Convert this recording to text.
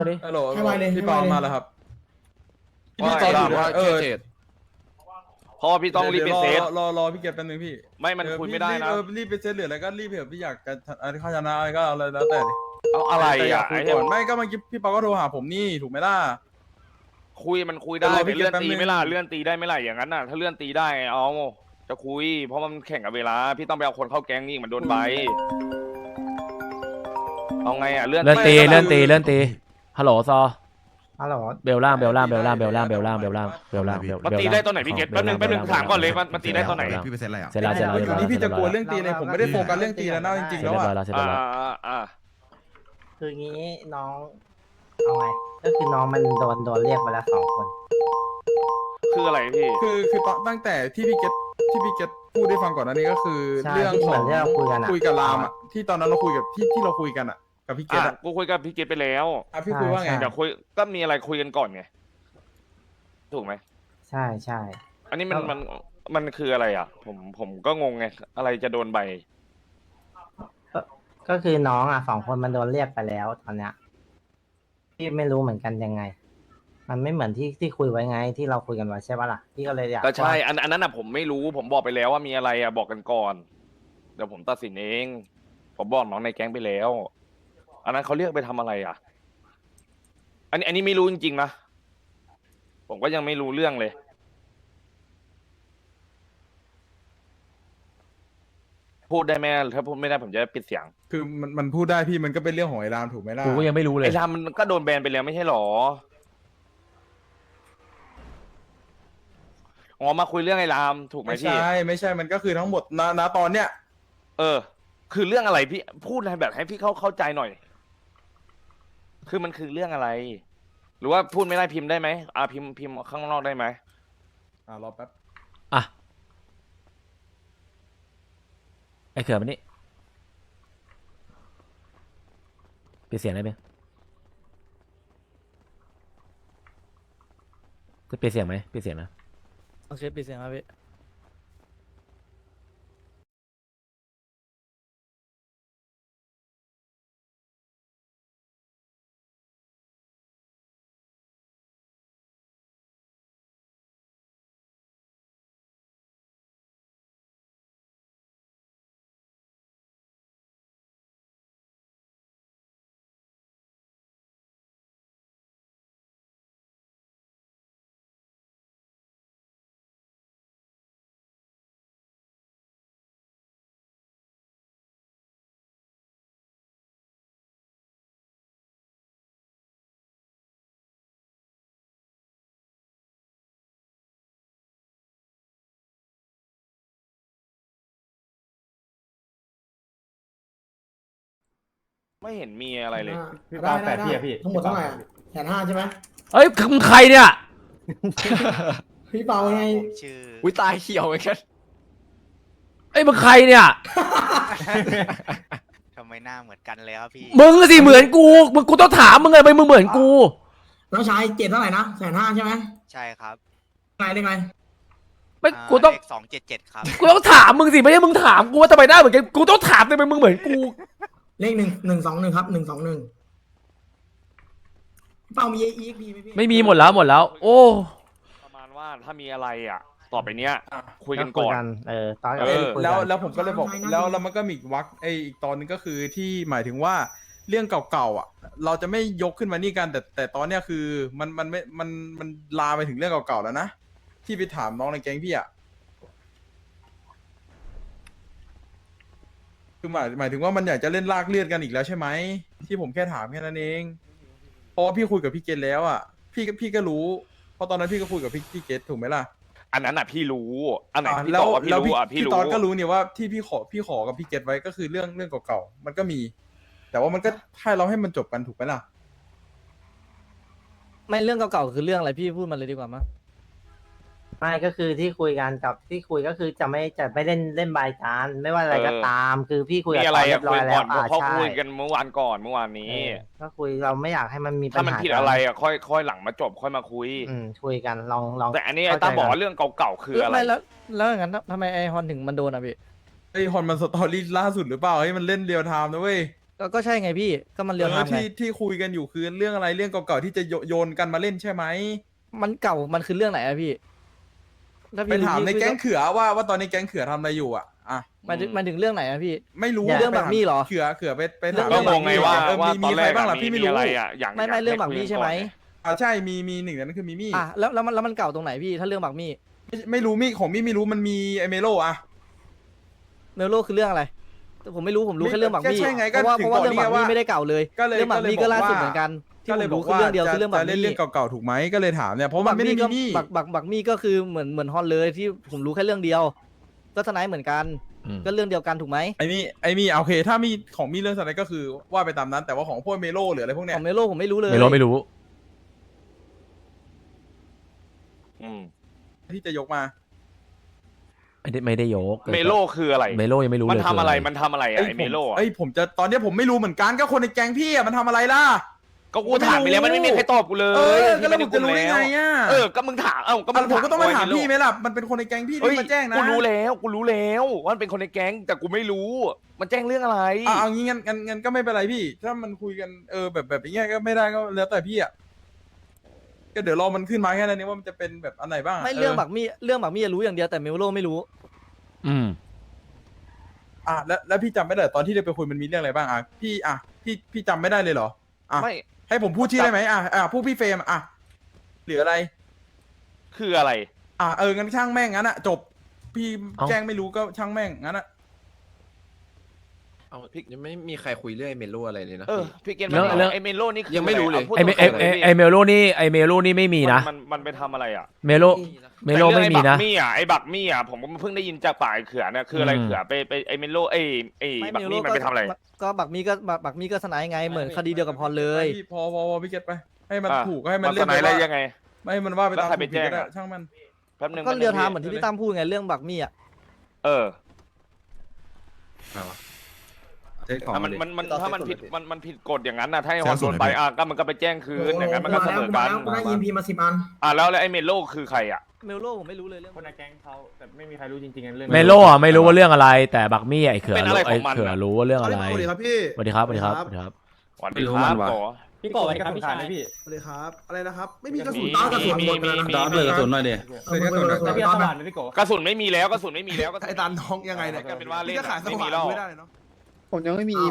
ฮัลโหลให้ไวเลยพี่ให้ปาไวเลยมาแล้วครับว่าพี่จอดอยู่ว่านะเพราะว่าพี่ต้องรีบไปเซตรอพี่เก็บแป๊บนึงพี่ไม่มันคุยไม่ได้นะรีบไปเซตเหลืออะไรก็รีบเถอะพี่อยากจะอะไรข้าชนะอะไรก็เอาอะไรแล้วแต่ดิเอาอะไรแต่อยาอ่ะกคุไอ้ยเนี่ยก่อนไม่ก็เมื่อกี้พี่ปาก็โทรหาผมนี่ถูกไหมล่ะคุยมันคุยได้เดี๋ยวรอพี่แต่เลื่อนเก็บแป๊บตีนึงไม่ล่ะเลื่อนตีได้ไม่ล่ะอย่างนั้นน่ะถ้าเลื่อนตีได้เอาจะคุย เพราะมันแข่งกับเวลาพี่ต้องไปเอาคนเข้าแก๊งนี่มันโดนใบเอาไงอ่ะเลื่อนเลื่อนตีไม่เลื่อนตีเลื่อนตีฮัลโหลซอฮัลโหลเบลล่างเบลล่างเบลล่างเบลล่างเบลล่างเบลล่างเบลล่างเบลล่างมันตีได้ตอนไหนพี่เกตแป๊บนึงถามก่อนเลยมันตีได้ตอนไหนพี่ไปเซ็ตอะไรอ่ะเสร็จแล้วเสร็จแล้วอยู่นี่พี่จะกลัวเรื่องตีเลยผมไม่ได้โฟกัสเรื่องตีแล้วนะจริงๆเสร็จแล้วเรียบร้อยอ่ะแล้วเสร็จเรียบร้อยแล้วคืองี้น้องเอาไงก็คือน้องมันโดนเรียกมาแล้ว2 คนคืออะไรพี่คือตั้งแต่ที่พี่เก็ตพูดได้ฟังก่อนหน้านี้ก็คือใช่เรื่องที่ขเหมืออง นที่เราคุยกันอะคุยกับรามอ่ะที่ตอนนั้นเราคุยกับที่เราคุยกันอ่ะกับพี่เก็ตอ่ะกูคุยกับพี่เกตไปแล้วพี่คุยว่าไงเดี๋ยวคุยก็มีอะไรคุยกันก่อนไงถูกไหมใช่ใช่อันนี้มันคืออะไรอ่ะ ผมก็งงไงอะไรจะโดนใบก็คือน้อง2 คนมันโดนเรียกไปแล้วตอนเนี้ยพี่ไม่รู้เหมือนกันยังไง มันไม่เหมือนที่คุยไว้ไงที่เราคุยกันไว้ใช่ปะล่ะพี่ก็เลยอยากก็ใช่ว่าอันนั้นอ่ะผมไม่รู้ผมบอกไปแล้วว่ามีอะไรอ่ะบอกกันก่อน เดี๋ยวผมตัดสินเอง ผมบอกน้องในแก๊งไปแล้ว อันนั้นเขาเรียกไปทำอะไรอ่ะ อันนี้ไม่รู้จริงๆนะ ผมก็ยังไม่รู้เรื่องเลย พูดได้ไหมถ้าพูดไม่ได้ผมจะปิดเสียงคือมันพูดได้พี่มันก็เป็นเรื่องของไอ้รามถูกไหมล่ะกูก็ยังไม่รู้เลยไอ้รามมันก็โดนแบนไปแล้วไม่ใช่หรอ อ๋อมาคุยเรื่องไอ้รามถูกไหมไม่พี่ใช่ไม่ใช่มันก็คือทั้งหมดณตอนเนี้ยเออ คือเรื่องอะไรพี่พูดอะไรแบบให้พี่เข้าใจหน่อย คือมันคือเรื่องอะไร หรือว่าพูดไม่ได้พิมพ์ได้ไหมพิมพ์ข้างนอกได้ไหมรอแป๊บอ่ะไอ้เขื่อนมันนี่ปิดเสียงได้ไหมจะปิดเสียงไหมปิดเสียงนะโอเคปิดเสียงครับพี่ไม่เห็นมีอะไรเลยได้ทั้งหมดเท่าไหร่อะ150,000ใช่ไหมเอ้ยมึงใครเนี่ยพี่เปาไงชื่ออุ้ยตายเขียวเหมือนกันเอ้ยมึงใครเนี่ยทำไมหน้าเหมือนกันเลยครับพี่มึงสิเหมือนกูต้องถามมึงไงไปมึงเหมือนกูน้องชายเจ็ดเท่าไหร่นะ150,000ใช่ไหมใช่ครับไงได้ไงไม่กูต้องเลข277 ครับกูต้องถามมึงสิไม่ใช่มึงถามกูว่าทำไมได้เหมือนกันกูต้องถามทำไมมึงเหมือนกูเลข121ครับ121พี่เปามี EXP ไหมพี่ไม่มีหมดแล้วโอ้ประมาณว่าถ้ามีอะไรอ่ะ ต่อไปเนี้ยอ่ะคุยกันก่อนตอนเออคุยแล้วกันแล้วผมก็เลยบอกแล้วมันก็มีอีกวักอีกตอนนึงก็คือที่หมายถึงว่าเรื่องเก่าๆอ่ะ เราจะไม่ยกขึ้นมานี่กันแต่ตอนเนี้ยคือมันไม่มันลามไปถึงเรื่องเก่าๆแล้วนะที่ไปถามน้องในแก๊งพี่อ่ะคือหมายถึงว่ามันอยากจะเล่นลากเลือดกันอีกแล้วใช่ไหมที่ผมแค่ถามแค่นั้นเองเพราะว่าพี่คุยกับพี่เกตแล้วอ่ะพี่ก็รู้เพราะตอนนั้นพี่ก็คุยกับพี่เกตถูกไหมล่ะอันนั้นอ่ะพี่รู้ อันไหนพี่แล้ตวอบว่าพี่แล้วรู้อ่ะพี่พี่รู้ตอนก็รู้เนี่ยว่าที่พี่ขอกับพี่เกตไว้ก็คือเรื่องเก่าๆมันก็มี แต่ว่ามันก็ให้มันจบกันถูกไหมล่ะไม่เรื่องเก่าๆคือเรื่องอะไรพี่พูดมาเลยดีกว่ามั้ยไม่ก็คือที่คุยกันกับที่คุยก็คือจะไม่เล่นบายการไม่ว่าอะไรก็ตาม คือพี่คุยมีกับอะไรเขาเรีอ่ะยบร้คุอย ยแล้ก่อนวเพราะใช่คุยกันเมื่อวานก่อนเมื่อวานนี้ก็คุยเราไม่อยากให้มันมีปัญหาถ้ามันผิดอะไรอ่ะค่อยหลังมาจบค่อยมาคุยคุยกันลองแต่อันนี้ไอ้ตาบอกว่าเรื่องเก่าๆคืออะไรไม่แล้วอย่างนั้นทำไมไอฮอนถึงมันโดนอ่ะพี่ไอฮอนมันสตอรี่ล่าสุดหรือเปล่าเฮ้ยมันเล่นเรียลไทม์นะเว้ยก็ใช่ไงพี่ก็มันเรียลไทม์ไงที่คุยกันอยู่คือเรื่องอะไรเรื่องเก่าๆที่จะโยนกันมาเล่นใช่ไหมมันเก่ามันคือเรื่องไหนอะพี่ถ้าไปพี่ถามในพี่แก๊งเขือว่าตอนนี้แก๊งเขือทำอะไรอยู่อ่ะมันถึงเรื่องไหนอะพี่ไม่รู้เรื่องแบบนี้เหรอเขือไปถามก็งงไงว่ามีตอนใคแรรกบ้างล่ะอะพี่ไม่มีรู้อะไรอ่ะอย่างไม่เรื่องบักมี่ใช่ไหมใช่มีหนึ่งในนั้นคือมีมี่อ่ะแล้วมันเก่าตรงไหนพี่ถ้าเรื่องบักมี่ไม่รู้มี่ของมี่ไม่รู้มันมีไอเมโลอ่ะเมลโลคือเรื่องอะไรแต่ผมไม่รู้ผมรู้แค่เรื่องบักมี่ก็ใช่ไงก็เพราะว่าถึงเรื่องบอกนี่ไงว่าบักมี่ไม่ได้เก่าเลยก็เลยเรื่องบักมี่ก็ก็เลยบอกล่าสุดว่าเหมือนกันที่ก็ผเลยมบอรู้กคือว่าเรื่องเดียวจะคือเรื่องบักจะเล่นมี่เรื่องเก่าๆถูกไหมก็เลยถามเนี่ยเพราะมันไม่ได้มีมี่บักมี่ก็คือเหมือนฮอนเลยที่ผมรู้แค่เรื่องเดียว ก็ทนายเหมือนกัน ก็เรื่องเดียวกันถูกไหมไอมี่โอเคถ้ามีของมีเรื่องอะไรก็คือว่าไปตามนั้นแต่ว่าของพวกเมโลหรืออะไรพวกเนี้ขยองเมโลผมไม่รู้เลยไม่รู้อืมที่จะยกมาไม่ได้ยกเมโลคืออะไรเมโลยังไม่รู้มันเลยทำอะไรคืมันทำอะไรอะไอเมโลอะผมจะตอนเนี้ยผมไม่รู้เหมือนกันก็คนในแก๊งพี่อะมันทำอะไรล่ะก็กูถามไปแล้วมันไม่มีใครตอบกูเลยก็แล้วผมจะรู้ได้ไงอ่ะก็มึงถามก็ผมก็ต้องมาถามไพี่ไหมล่ะมันเป็นคนในแก๊งพี่เฮ้ยที่มาแจ้งนะกูรู้แล้วว่ามันเป็นคนในแก๊งแต่กูไม่รู้ มันแจ้งเรื่องอะไรเอางี้งั้นก็ไม่เป็นไรพี่ ถ้ามันคุยกันแบบอย่างเงี้ยก็ไม่ได้ก็แล้วแต่พี่อ่ะก็เดี๋ยวรอมันขึ้นมาแค่นั้นเองว่ามันจะเป็นแบบอันไหนบ้างะไม่เรื่องบักมี่รู้อย่างเดียวแต่เมลโลไม่รู้แล้วพี่จำไม่ได้ตอนที่เราไปคุยมันมีเรื่องอะไรบ้างพี่จำไม่ได้เลยเหรออ่ะไม่ให้ผมพูดชื่อได้ไหมพูดพี่เฟรมหรืออะไรคืออะไรงั้นช่างแม่งงั้นจบพี่แจ้งไม่รู้ก็ช่างแม่งงั้นเอาพี่ยังไม่มีใครคุยเรื่องไอ้เมโลอะไรเลยนะพี่เกณฑ์เรื่องไอเมโลนี่คือยังไม่รู้เลยพูดไอเมตรงๆเลยไอเมโลนี่ไม่มีนะมันไปทำอะไรอ่ะเมโลไม่มีนะไอบักมี่อ่ะผมก็เพิ่งได้ยินจากปากไอ้เขือเนี่ยคืออะไรเขือไปไอเมโลไอบักมี่มันไปทำอะไรก็บักมี่ก็สนายไงเหมือนคดีเดียวกับพรเลยพี่พอพี่เก็ตไปให้มันถูกให้มันมันเล่สนนายอะไรว่ายังไงไม่ให้มันว่าไปตามแล้วใครไปแจ้งถูกผิดก็ได้อะช่างมันแป๊บนึงก็เรียลไทม์เหมือนที่พี่ตั้มพูดไงเรื่องบักมี่อ่ะมันถ้ามันผิดกฎอย่างนั้นนะถ้าไอ้ฮอนโดนไปก็มันก็ไปแจ้งคืนอย่างนั้นมันก็เสมอกันกูได้ EMP มา10 อันแล้วไอ้เมโลคือใครอ่ะเมลโลผมไม่รู้เลยเรื่องคนในแก๊งเขาแต่ไม่มีใครรู้จริงๆเรื่องเมโลอ่ะไม่รู้ว่าเรื่องอะไร แต่บักมี่ไอเขือเป็นอะไรไอของมันเขือรู้ว่าเรื่องอะไรสวัสดีครับพี่สวัสดีครับสวัสดีครับหวันดีไม่รู้คมัรับนว่ะโกพี่โก้ไปกับพี่ชายพี่สวัสดีครับ อะไรนะครับ ไม่มีกระสุนมีตากระสุนมีหมดไปแล้วนะมีดาบเลยกระสุนหน่อยดิแล้วพี่เอาสว่านไปพี่โก้กระสุนไม่มีแล้วก็ไอ้ตาน้องยังไงเนี่ยก็เป็นว่าเล่นจะขายสไม่ว่ามีงแล้วไม่ได้เนาะผมยังไม่มี